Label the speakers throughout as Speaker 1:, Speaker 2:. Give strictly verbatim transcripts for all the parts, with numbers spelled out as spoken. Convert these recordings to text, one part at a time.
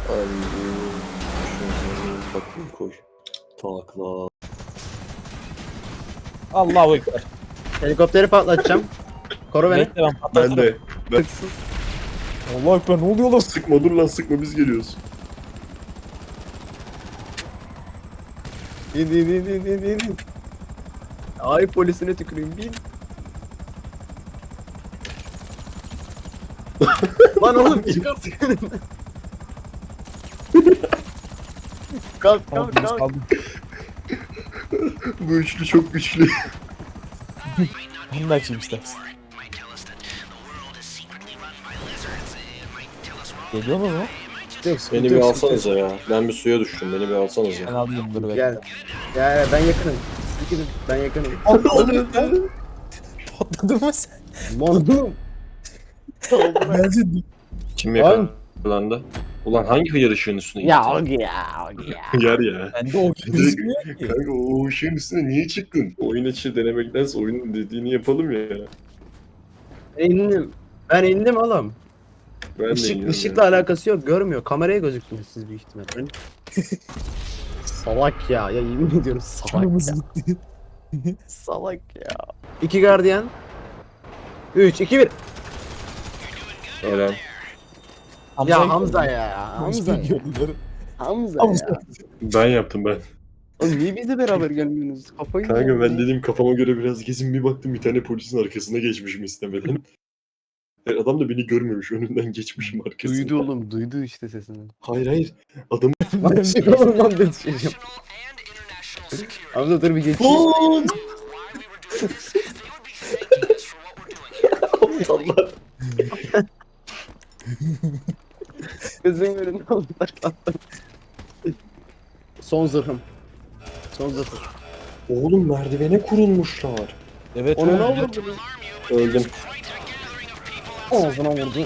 Speaker 1: Ay, şunu takvim koy. Takla.
Speaker 2: Allahu ekber.
Speaker 3: Helikopteri patlatacağım. Koru beni.
Speaker 2: Bekle ben patlatırım.
Speaker 1: Ben de. Ben...
Speaker 2: Allahu ekber, ne oluyor lan?
Speaker 1: Sıkma dur lan sıkma biz geliyoruz.
Speaker 3: İn in in in in in. Ay polisine tüküreyim bin. Lan oğlum çıkart. Kalk
Speaker 2: Tamam,
Speaker 3: kalk
Speaker 2: biz
Speaker 3: kalk.
Speaker 2: kaldık.
Speaker 1: Bu üçlü çok güçlü.
Speaker 2: Ben de açayım istersen. Geliyor mu?
Speaker 3: Yok, sıkıntı
Speaker 1: Beni bir
Speaker 3: yok,
Speaker 1: alsanıza ya. Ben bir suya düştüm. Beni bir
Speaker 2: Ben
Speaker 1: alsanıza.
Speaker 2: alayım, dur bekle.
Speaker 3: Gel. Gel ben yakınım. Yakınım. Ben yakınım.
Speaker 2: Patladın mı sen?
Speaker 3: Monum.
Speaker 2: Bence
Speaker 1: Kim yakalandı? Ulan hangi hıyar ışığın üstüne gitti?
Speaker 3: Ya Ogi ya Ogi ya.
Speaker 1: Hıyar ya.
Speaker 2: bende o gözükmüyor ki.
Speaker 1: Kanka o ışığın üstüne niye çıktın? Oyun içi denemektense oyunun dediğini yapalım ya.
Speaker 3: İndim. Ben indim oğlum.
Speaker 1: Ben de
Speaker 3: Işık,
Speaker 1: iniyorum
Speaker 3: ışıkla
Speaker 1: ya.
Speaker 3: alakası yok. Görmüyor. Kameraya gözüktünüz siz büyük ihtimalle. Salak ya. Ya yemin ediyorum salak
Speaker 2: Canımız
Speaker 3: ya.
Speaker 2: gitti.
Speaker 3: Salak ya. İki gardiyan. Üç, iki, bir.
Speaker 1: Eren.
Speaker 3: Ya Hamza ya. Hamza ya.
Speaker 2: Yolları.
Speaker 3: Hamza
Speaker 2: Hamza.
Speaker 3: ya.
Speaker 1: Ben yaptım ben.
Speaker 3: Oğlum niye bizle beraber gelmiyorsunuz? Kafayı
Speaker 1: Kanka
Speaker 3: yiyeceğim
Speaker 1: ben
Speaker 3: ya.
Speaker 1: dedim kafama göre biraz gezin bir baktım bir tane polisin arkasına geçmişim istemeden. E, Adam da beni görmemiş önünden geçmişim arkasına.
Speaker 3: Duydu oğlum. Duydu işte sesini.
Speaker 1: Hayır hayır. Adam
Speaker 3: Lan çık oğlum lan dedi çocuğum. Hamza dur bir geçeyim.
Speaker 1: Lan! Aptallar.
Speaker 3: Gözün önünde oldu. Son zırhım. Son zırhım.
Speaker 1: Oğlum merdivene kurulmuşlar.
Speaker 2: Evet.
Speaker 3: Onu ne
Speaker 2: öyle.
Speaker 3: oldu?
Speaker 1: Öldüm.
Speaker 3: Ağzına vurdu.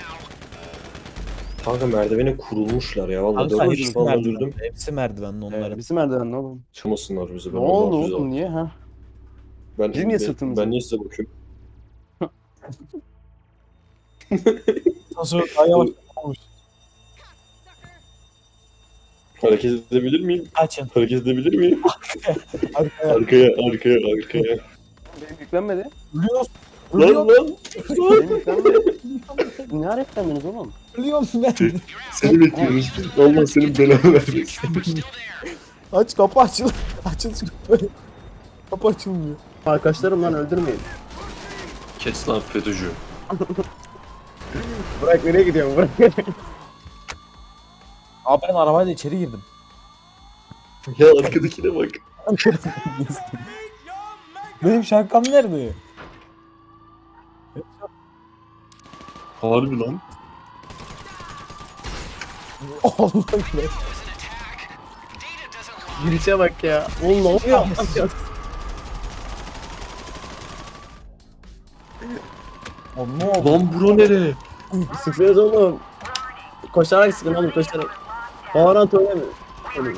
Speaker 1: Kanka merdivene kurulmuşlar ya. Vallahi
Speaker 2: Abi
Speaker 1: dört
Speaker 2: sen
Speaker 1: kişi
Speaker 2: hepsi
Speaker 1: falan
Speaker 2: merdiven.
Speaker 1: öldürdüm.
Speaker 2: Hepsi merdivenli onların.
Speaker 3: Bizim merdiven ne oğlum?
Speaker 1: Çıkmasınlar bize.
Speaker 3: Ne
Speaker 1: Ben
Speaker 3: oldu
Speaker 1: ondan füze
Speaker 3: oğlum
Speaker 1: aldım.
Speaker 3: niye ha?
Speaker 1: Ben,
Speaker 3: Biz niye
Speaker 1: ben-
Speaker 3: sırtımıza?
Speaker 1: Ben niye size bakıyorum?
Speaker 2: Nasıl daha yavaş olmuş.
Speaker 1: Hareket edebilir miyim?
Speaker 2: Açın.
Speaker 1: Hareket edebilir miyim?
Speaker 2: Arkaya.
Speaker 1: Arkaya, arkaya, arkaya.
Speaker 3: Benim yüklenmedi.
Speaker 2: Ölüyoruz.
Speaker 1: Lan
Speaker 2: Ölüyorum.
Speaker 1: lan!
Speaker 3: Benim yüklenmedi. Ne ara yüklendiniz oğlum?
Speaker 2: Ölüyorum ben.
Speaker 1: Seni bekliyoruz. Allah senin belanı vermesin.
Speaker 2: Aç, kapı açıl. Açıl şu kapıyı. Kapı açılmıyor.
Speaker 3: Arkadaşlarım lan öldürmeyin.
Speaker 1: Kes lan FETÖ'cü.
Speaker 3: Bırak nereye gidiyorsun bırak.
Speaker 2: Abi ben arabayla içeri girdim.
Speaker 1: Ya arkadakine bak.
Speaker 2: Benim şapkam nerede?
Speaker 1: Harbi lan.
Speaker 2: Allah be.
Speaker 3: Girişe bak ya. Oğlum ne oluyor?
Speaker 2: Oğlum ne oldu?
Speaker 1: Lan bura nere?
Speaker 3: Sıkıyoruz oğlum. Koşarak sıkın oğlum koşarak. Valorant oynamıyor. Oğlum.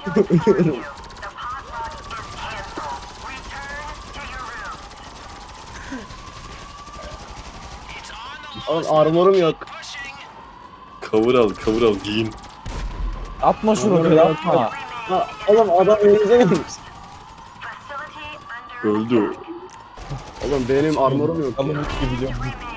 Speaker 3: Oğlum armorum yok.
Speaker 1: Cover al, cover al, giyin.
Speaker 2: Atma şu roketi, atma.
Speaker 3: Ha, oğlum adam elinize gelmiş.
Speaker 1: Öldü.
Speaker 3: Oğlum benim armorum yok
Speaker 2: Alın
Speaker 3: ya.
Speaker 2: gibi biliyorum.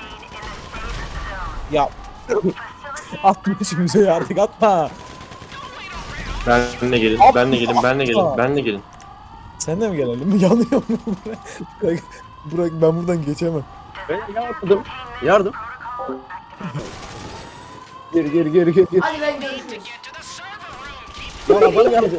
Speaker 2: Ya. Atma şimdi ya, artık atma.
Speaker 1: Benle gelin,
Speaker 2: Abi,
Speaker 1: benle gelin, benle gelin,
Speaker 2: atma.
Speaker 1: benle gelin.
Speaker 2: Sen de mi gelelim? Yanıyor mu? Bırak, bırak, ben buradan geçemem.
Speaker 3: Ben yardım. Yardım. Gir gir gir gir gir.
Speaker 4: Hadi ben görüşürüz.
Speaker 3: Lan adam geldi.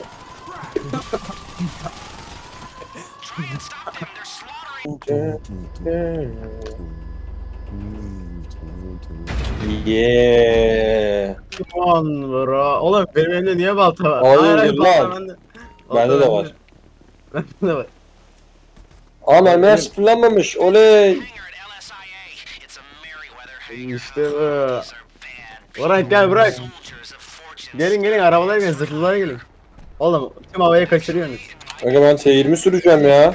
Speaker 1: Yeah.
Speaker 3: Aman bro. Oğlum benim elimde niye balta var?
Speaker 1: Hayırdır
Speaker 3: balta
Speaker 1: lan?
Speaker 3: bende.
Speaker 1: Bende
Speaker 3: Balta
Speaker 1: de var.
Speaker 3: Bende de var.
Speaker 1: Aa mermiler sıfırlanmamış, oley.
Speaker 3: İşte bu. Bırak gel bırak. Gelin gelin arabalara gelin zırhlılara gelin. Oğlum tüm havaya kaçırıyorsunuz.
Speaker 1: Kanka ben T yirmi süreceğim ya.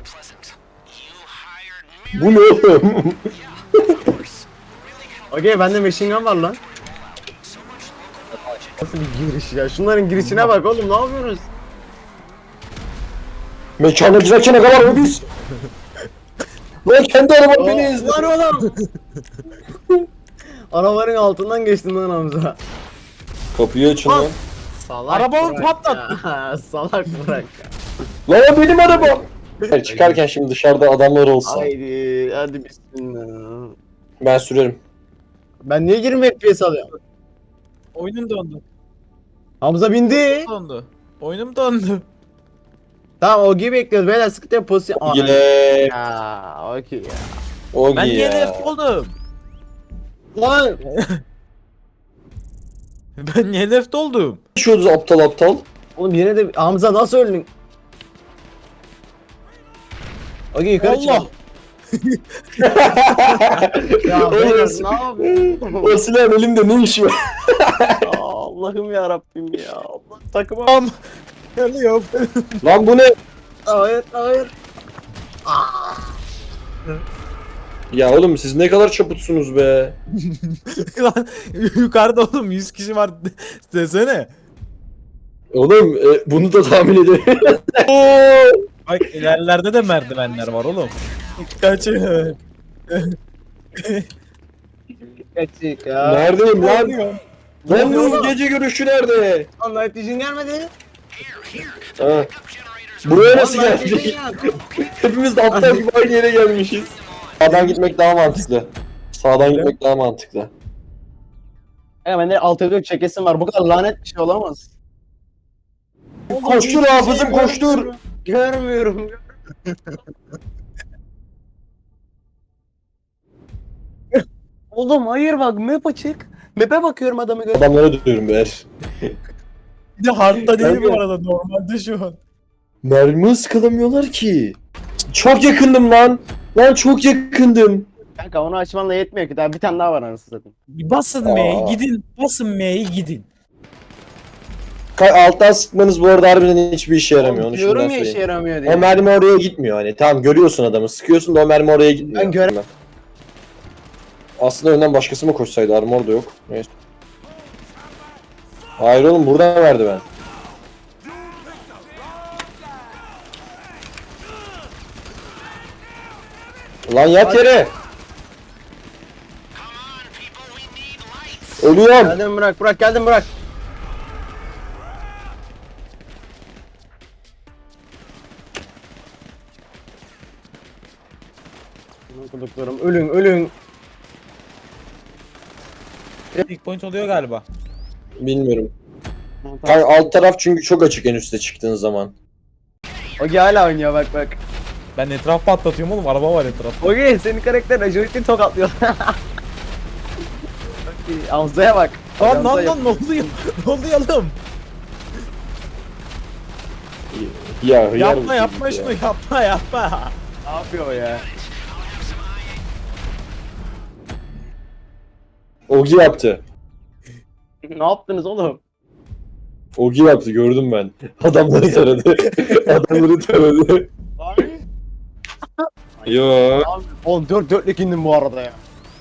Speaker 1: Bu ne oğlum?
Speaker 3: Okey bende machine gun var lan. Nasıl bir giriş ya? Şunların girişine bak oğlum, ne yapıyorsunuz?
Speaker 1: Mekana girerken ne kadar mı biz? Lan kendi arabam beni ezdi.
Speaker 3: Lan oğlum! Arabanın altından geçtim lan Hamza.
Speaker 1: Kapıyı açın lan.
Speaker 3: Salak
Speaker 2: Arabamı
Speaker 3: Burak
Speaker 2: patlattın.
Speaker 3: ya. Salak bırak ya.
Speaker 1: Lan o benim arabam. Hayır, çıkarken şimdi dışarıda adamlar olsa.
Speaker 3: Haydi hadi bismillah.
Speaker 1: Ben sürerim.
Speaker 3: Ben niye yirmi F P S alıyorum?
Speaker 2: Oyunum dondu.
Speaker 3: Hamza bindi.
Speaker 2: Dondu. Oyunum dondu.
Speaker 3: Tamam o gibi bekliyoruz beyler, sıkıntı yok, pozisyon. Aa,
Speaker 1: Yine
Speaker 3: ya okey ya.
Speaker 1: o
Speaker 2: Ben
Speaker 1: ya.
Speaker 2: niye left oldum?
Speaker 3: Lan
Speaker 2: Ben niye left oldum?
Speaker 1: Yaşıyoruz aptal aptal.
Speaker 3: oğlum yine de Hamza nasıl öldün? Okey yukarı
Speaker 2: Allah!
Speaker 3: çıkalım. Ya
Speaker 1: O
Speaker 3: beyler
Speaker 1: nasıl-
Speaker 3: ne yapıyorsun?
Speaker 1: O silahın elimde ne işi var?
Speaker 3: Allah'ım ya Rabbim ya. Allah takıma.
Speaker 2: Am. Yanıyor.
Speaker 1: Lan bu ne?
Speaker 3: Hayır hayır.
Speaker 1: Ya oğlum siz ne kadar çaputsunuz be.
Speaker 2: Lan yukarıda oğlum yüz kişi var desene.
Speaker 1: Oğlum e, bunu da tahmin edemiyorum. Oo!
Speaker 2: Bak ilerlerde de merdivenler var oğlum. Kaçın.
Speaker 3: Kaçık ya.
Speaker 1: Neredeyim lan? Lan
Speaker 3: oluyor
Speaker 1: bu
Speaker 3: oğlum?
Speaker 1: gece görüşü nerede?
Speaker 3: Lan Night Vision gelmedi.
Speaker 1: Ha. Buraya nasıl
Speaker 3: Lan Night Vision
Speaker 1: geldik?
Speaker 3: geldi.
Speaker 1: Hepimiz de aptal gibi aynı yere gelmişiz. Sağdan gitmek daha mantıklı. Sağdan gitmek daha mantıklı.
Speaker 3: Ya bende alt F dört çekesim var. Bu kadar lanet bir şey olamaz.
Speaker 1: Koştur hafızım koştur.
Speaker 3: Görmüyorum. Oğlum hayır bak map açık. Map'e bakıyorum adamı gör.
Speaker 1: Adamlara dönüyorum beyler.
Speaker 2: Bir de hardta değil
Speaker 1: Kanka.
Speaker 2: bu arada normalde şu an.
Speaker 1: Mermi ıskalamıyorlar ki. Çok yakındım lan. Lan çok yakındım.
Speaker 3: Kanka onu açmanla yetmiyor ki, daha bir tane daha var anasını satayım.
Speaker 2: Basın
Speaker 1: Aa.
Speaker 2: M'yi gidin. Basın M'yi gidin.
Speaker 1: Ka- Alttan sıkmanız bu arada harbiden hiçbir işe yaramıyor. Onu
Speaker 3: Diyorum
Speaker 1: şimdiden
Speaker 3: ya işe
Speaker 1: söyleyeyim.
Speaker 3: yaramıyor diye.
Speaker 1: O mermi oraya gitmiyor hani. Tamam görüyorsun adamı. Sıkıyorsun da o mermi oraya gitmiyor.
Speaker 3: Ben göre-
Speaker 1: Aslında önden başkası mı koşsaydı? Armor da yok. Neyse. Hayır oğlum buradan verdi ben. Lan yat yere. Ölüyorum.
Speaker 3: Geldim bırak bırak geldim bırak. Okuduklarım ölün ölün.
Speaker 2: Big point oluyor galiba.
Speaker 1: Bilmiyorum. Kanka alt taraf çünkü çok açık en üste çıktığın zaman.
Speaker 3: Ogi hala oynuyor bak bak.
Speaker 2: Ben etraf patlatıyorum oğlum. Araba var etrafta.
Speaker 3: Ogi senin karakter Ajorit'in tokatlıyor. Ogi Hamza'ya bak.
Speaker 2: Lan
Speaker 3: Hamza
Speaker 2: lan
Speaker 3: yap-
Speaker 2: lan ne oluyor? Ne oluyor oğlum?
Speaker 1: Ya hıyar
Speaker 2: Yapma
Speaker 1: mısın
Speaker 2: yapma
Speaker 1: ya?
Speaker 2: şunu yapma yapma.
Speaker 3: Ne yapıyor o ya?
Speaker 1: Ogi yaptı.
Speaker 3: Ne yaptınız oğlum?
Speaker 1: Ogi yaptı gördüm ben. Adamları taradı. Adamları taradı. Yo.
Speaker 3: Oğlum dört dörtlük indim bu arada ya.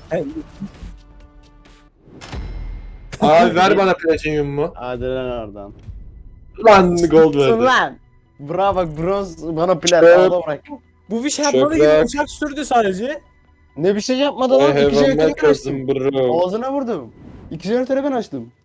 Speaker 1: Abi ver bana platinyumumu.
Speaker 3: Hadi lan oradan.
Speaker 1: Lan gold
Speaker 3: Sus
Speaker 1: verdi.
Speaker 3: lan. Bravo bak bronz bana plat
Speaker 1: Çöp.
Speaker 3: aldı bırak.
Speaker 2: Bu bir şey yapmadı gibi
Speaker 1: Şöyle.
Speaker 2: uçak sürdü sadece.
Speaker 3: Ne bir şey yapmadı
Speaker 1: I
Speaker 3: lan.
Speaker 1: have
Speaker 3: İki
Speaker 1: a
Speaker 3: jeneratörü ben açtım.
Speaker 1: mechanism bro.
Speaker 3: Ağzına vurdum. İki jeneratörü ben açtım.